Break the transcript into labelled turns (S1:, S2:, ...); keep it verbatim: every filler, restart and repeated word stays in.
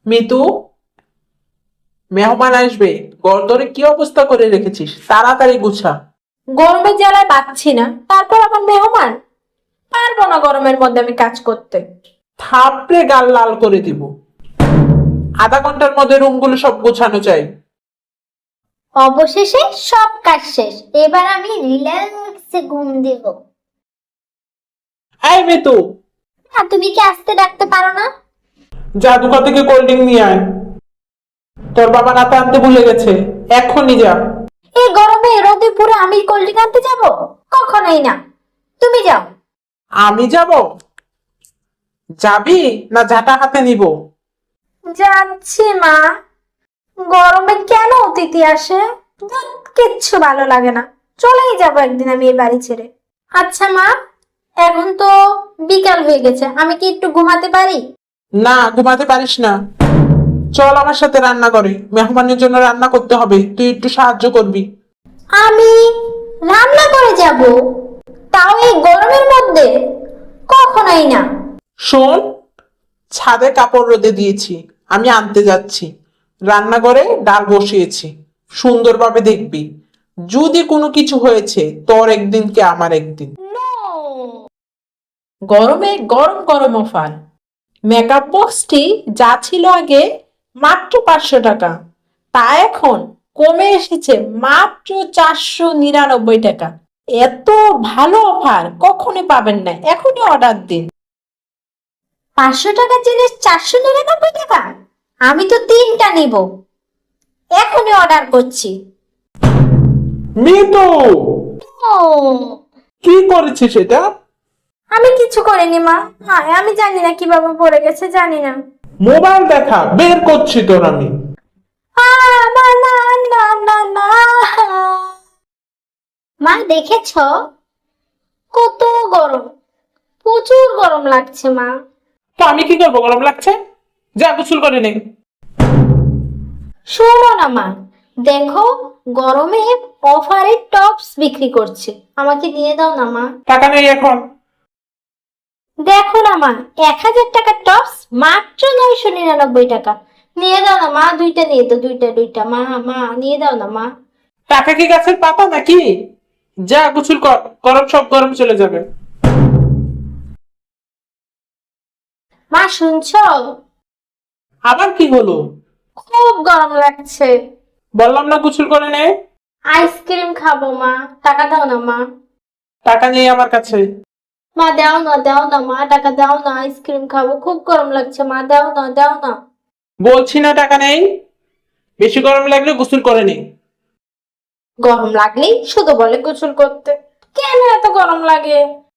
S1: মিতু, মেহমান আসবে। গরদরে কি অবস্থা করে রেখেছিস, তাড়াতাড়ি গুছা।
S2: গরমের জ্বালায় পাচ্ছি না, তারপর আমার মেহমান। পারবো না গরমের মধ্যে আমি কাজ করতে।
S1: থাপড়ে গাল লাল করে দিব। আধা ঘন্টার মধ্যে রুমগুলো সব গোছানো চাই।
S3: অবশেষে সব কাজ শেষ, এবার আমি রিল্যাক্সে ঘুম দিব।
S1: এই মিতু,
S3: আর তুমি কি আসতে ডাকতে পারো না?
S1: যা দোকান থেকে কোল্ড ড্রিঙ্ক নিয়ে আয়। তোর বাবা রাতে আনতে ভুলে গেছে, এক্ষুনি যা।
S2: এই গরমে রোদে পুরো আমি কোল্ড ড্রিঙ্ক আনতে যাবো? কখনোই না, তুমি যাও।
S1: আমি যাব? যাবি না ঝাঁটা হাতে নিব?
S2: যাচ্ছি মা। গরমে কেন অতিথি আসে? ধুৎ, কিচ্ছু ভালো লাগে না। চলেই যাবো একদিন আমি এই বাড়ি ছেড়ে। আচ্ছা মা, এখন তো বিকাল হয়ে গেছে, আমি কি একটু ঘুমাতে পারি?
S1: না, ঘুমাতে পারিস না। চল আমার সাথে রান্না করে, মেহমানের জন্য রান্না করতে হবে, তুই একটু সাহায্য করবি।
S2: আমি রান্না করে যাব? তাও এই গরমের মধ্যে? কখনোই না।
S1: শোন, ছাদে কাপড় রোদে দিয়েছি, আমি আনতে যাচ্ছি। রান্নাঘরে ডাল বসিয়েছি, সুন্দরভাবে দেখবি। যদি কোনো কিছু হয়েছে, তোর একদিন কে আমার একদিন। গরমে গরম গরম অফার। মেকআপ বক্সটি যা ছিল আগে মাত্র পাঁচশো টাকা, তা এখন কমে এসেছে মাত্র চারশো নিরানব্বই টাকা। এত ভালো অফার কখনই পাবেন না, এখনই অর্ডার দিন।
S2: পাঁচশো টাকার জিনিস চারশো নিরানব্বই টাকা? আমি তো তিনটা নিব, এখনই অর্ডার করছি।
S1: মিতু,
S2: ও,
S1: কি করেছিস এটা?
S2: আমি কিছু করিনি মা। হ্যাঁ, আমি জানি না কিভাবে পড়ে গেছে, জানি না।
S1: মোবাইল দেখা, বের করছি তোর আমি।
S2: আহ, না না না না না।
S3: মা দেখেছো?
S2: কত গরম, প্রচুর গরম লাগছে মা।
S1: তো আমি কি করবো, গরম লাগছে? যা গোসল করে নে।
S2: শোনো না মা, দেখো গরমে অফারে টপস বিক্রি করছে, আমাকে দিয়ে দাও না মা।
S1: টাকা নেই এখন।
S2: দেখো না মা, এক হাজার টাকার টপস মাত্র নয়শো নিরানব্বই টাকা। নিয়ে দাও না মা, দুইটা নিয়ে দাও, দুইটা দুইটা মা, মা নিয়ে দাও না মা।
S1: টাকা কি গাছের পাতা নাকি? যা গোসল কর, গরম সব গরম চলে যাবে।
S2: মা শুনছো?
S1: আবার কি হলো?
S2: খুব গরম লাগছে।
S1: বললাম না গোসল করে নে।
S2: আইসক্রিম খাবো মা, টাকা দাও না মা।
S1: টাকা নেই আমার কাছে।
S2: মা দাও না, দাও না মা, টাকা দাও না, আইসক্রিম খাবো, খুব গরম লাগছে মা, দাও না, দাও না।
S1: বলছি না টাকা নেই। বেশি গরম লাগলে গোসল করে নে।
S2: গরম লাগলেই শুধু বলে গোসল করতে, কেন এত গরম লাগে?